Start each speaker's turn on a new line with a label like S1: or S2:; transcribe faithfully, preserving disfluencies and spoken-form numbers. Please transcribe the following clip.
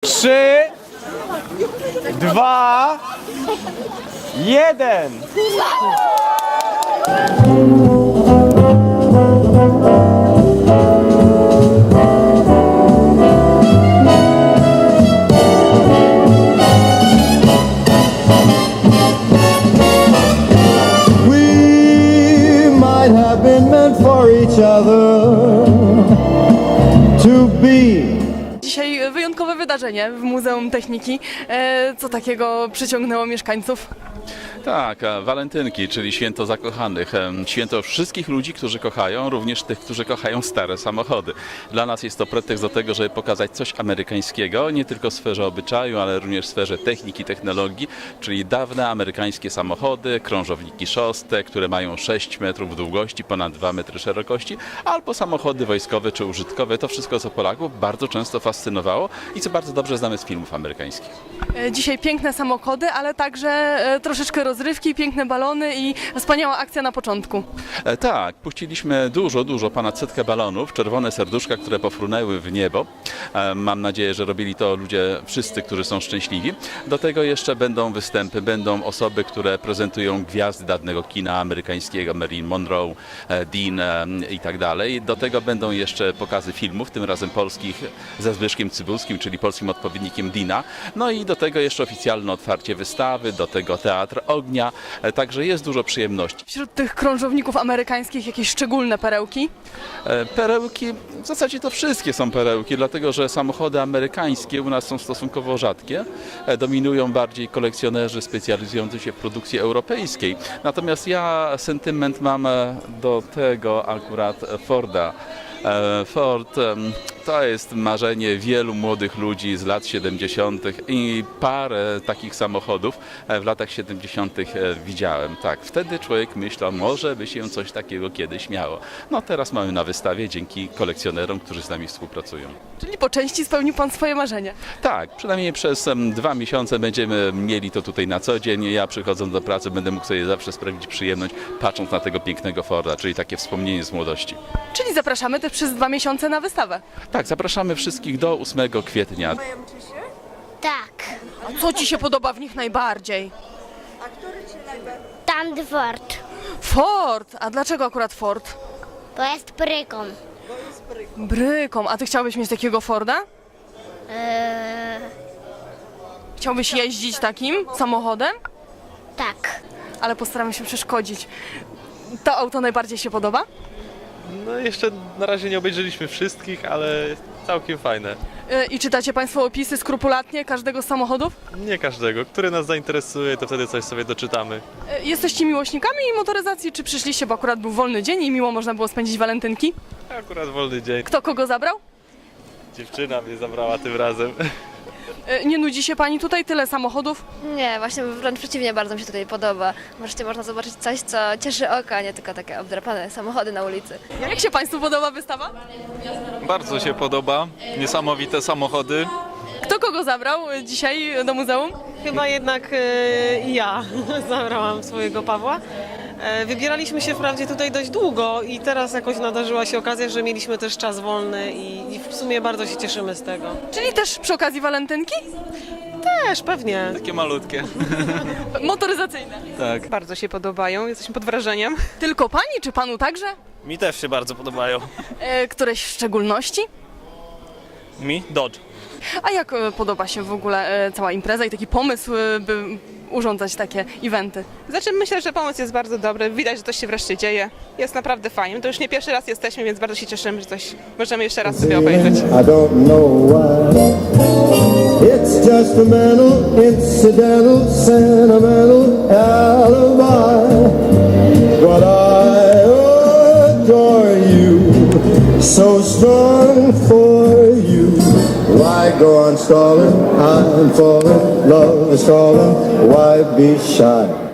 S1: Trzy, dwa, jeden.
S2: We might have been meant for each other to be.
S3: Dzisiaj wyjątkowe wydarzenie w Muzeum Techniki. E, Co takiego przyciągnęło mieszkańców?
S4: Tak, a walentynki, czyli święto zakochanych, em, święto wszystkich ludzi, którzy kochają, również tych, którzy kochają stare samochody. Dla nas jest to pretekst do tego, żeby pokazać coś amerykańskiego, nie tylko w sferze obyczaju, ale również w sferze techniki, technologii, czyli dawne amerykańskie samochody, krążowniki szóste, które mają sześć metrów długości, ponad dwa metry szerokości, albo samochody wojskowe czy użytkowe. To wszystko, co Polaków bardzo często fascynowało i co bardzo dobrze znamy z filmów amerykańskich.
S3: E, Dzisiaj piękne samochody, ale także e, troszeczkę rozrywki, piękne balony i wspaniała akcja na początku.
S4: E, tak, puściliśmy dużo, dużo, ponad setkę balonów, czerwone serduszka, które pofrunęły w niebo. E, mam nadzieję, że robili to ludzie wszyscy, którzy są szczęśliwi. Do tego jeszcze będą występy, będą osoby, które prezentują gwiazdy dawnego kina amerykańskiego, Marilyn Monroe, e, Dean e, i tak dalej. Do tego będą jeszcze pokazy filmów, tym razem polskich ze Zbyszkiem Cybulskim, czyli polskim odpowiednikiem Deana. No i do tego jeszcze oficjalne otwarcie wystawy, do tego teatr ognia, e, także jest dużo przyjemności.
S3: Wśród tych krążowników amerykańskich jakieś szczególne perełki?
S4: E, Perełki, w zasadzie to wszystkie są perełki, dlatego że samochody amerykańskie u nas są stosunkowo rzadkie. E, Dominują bardziej kolekcjonerzy specjalizujący się w produkcji europejskiej. Natomiast ja sentyment mam e, do tego akurat Forda. E, Ford em, to jest marzenie wielu młodych ludzi z lat siedemdziesiątych i parę takich samochodów e, w latach siedemdziesiątych e, widziałem. Tak, wtedy człowiek myślał, może by się coś takiego kiedyś miało. No teraz mamy na wystawie dzięki kolekcjonerom, którzy z nami współpracują.
S3: Czyli po części spełnił Pan swoje marzenia.
S4: Tak, przynajmniej przez em, dwa miesiące będziemy mieli to tutaj na co dzień. Ja przychodząc do pracy będę mógł sobie zawsze sprawić przyjemność, patrząc na tego pięknego Forda, czyli takie wspomnienie z młodości.
S3: Czyli zapraszamy też przez dwa miesiące na wystawę.
S4: Tak, zapraszamy wszystkich do ósmego kwietnia.
S5: Tak,
S3: A co Ci się podoba w nich najbardziej?
S5: tam Ford,
S3: Ford! A dlaczego akurat Ford?
S5: bo jest bryką.
S3: Bryką. A Ty chciałbyś mieć takiego Forda?
S5: Eee,
S3: Chciałbyś jeździć takim samochodem?
S5: tak,
S3: Ale postaramy się przeszkodzić. To auto najbardziej się podoba?
S6: No jeszcze na razie nie obejrzeliśmy wszystkich, ale jest całkiem fajne.
S3: Yy, I czytacie Państwo opisy skrupulatnie każdego z samochodów?
S6: Nie każdego. Który nas zainteresuje, to wtedy coś sobie doczytamy.
S3: Yy, Jesteście miłośnikami motoryzacji, czy przyszliście, bo akurat był wolny dzień i miło można było spędzić walentynki?
S6: Akurat wolny dzień.
S3: Kto kogo zabrał?
S6: Dziewczyna mnie zabrała tym razem.
S3: Yy, Nie nudzi się Pani tutaj? Tyle samochodów?
S7: Nie, właśnie wręcz przeciwnie, bardzo mi się tutaj podoba. Wreszcie można zobaczyć coś, co cieszy oko, a nie tylko takie obdrapane samochody na ulicy.
S3: Jak się Państwu podoba wystawa?
S8: Bardzo się podoba, niesamowite samochody.
S3: Kto kogo zabrał yy, dzisiaj do muzeum?
S9: Chyba jednak e, ja zabrałam swojego Pawła. E, wybieraliśmy się wprawdzie tutaj dość długo i teraz jakoś nadarzyła się okazja, że mieliśmy też czas wolny i, i w sumie bardzo się cieszymy z tego.
S3: Czyli też przy okazji walentynki?
S9: Też, pewnie.
S8: Takie malutkie.
S3: Motoryzacyjne.
S8: Tak.
S9: Bardzo się podobają, jesteśmy pod wrażeniem.
S3: Tylko Pani, czy Panu także?
S10: Mi też się bardzo podobają.
S3: Yy, Któreś w szczególności?
S10: Mi? Dodge.
S3: A jak e, podoba się w ogóle e, cała impreza i taki pomysł, e, by urządzać takie eventy?
S9: Znaczy myślę, że pomysł jest bardzo dobry, widać, że coś się wreszcie dzieje. Jest naprawdę fajnie, to już nie pierwszy raz jesteśmy, więc bardzo się cieszymy, że coś możemy jeszcze raz sobie obejrzeć.
S2: I don't know why. It's just a mental, incidental, sentimental alibi. But I adore you, so strong for you. Why go on stalling? I'm falling, love is calling. Why be shy?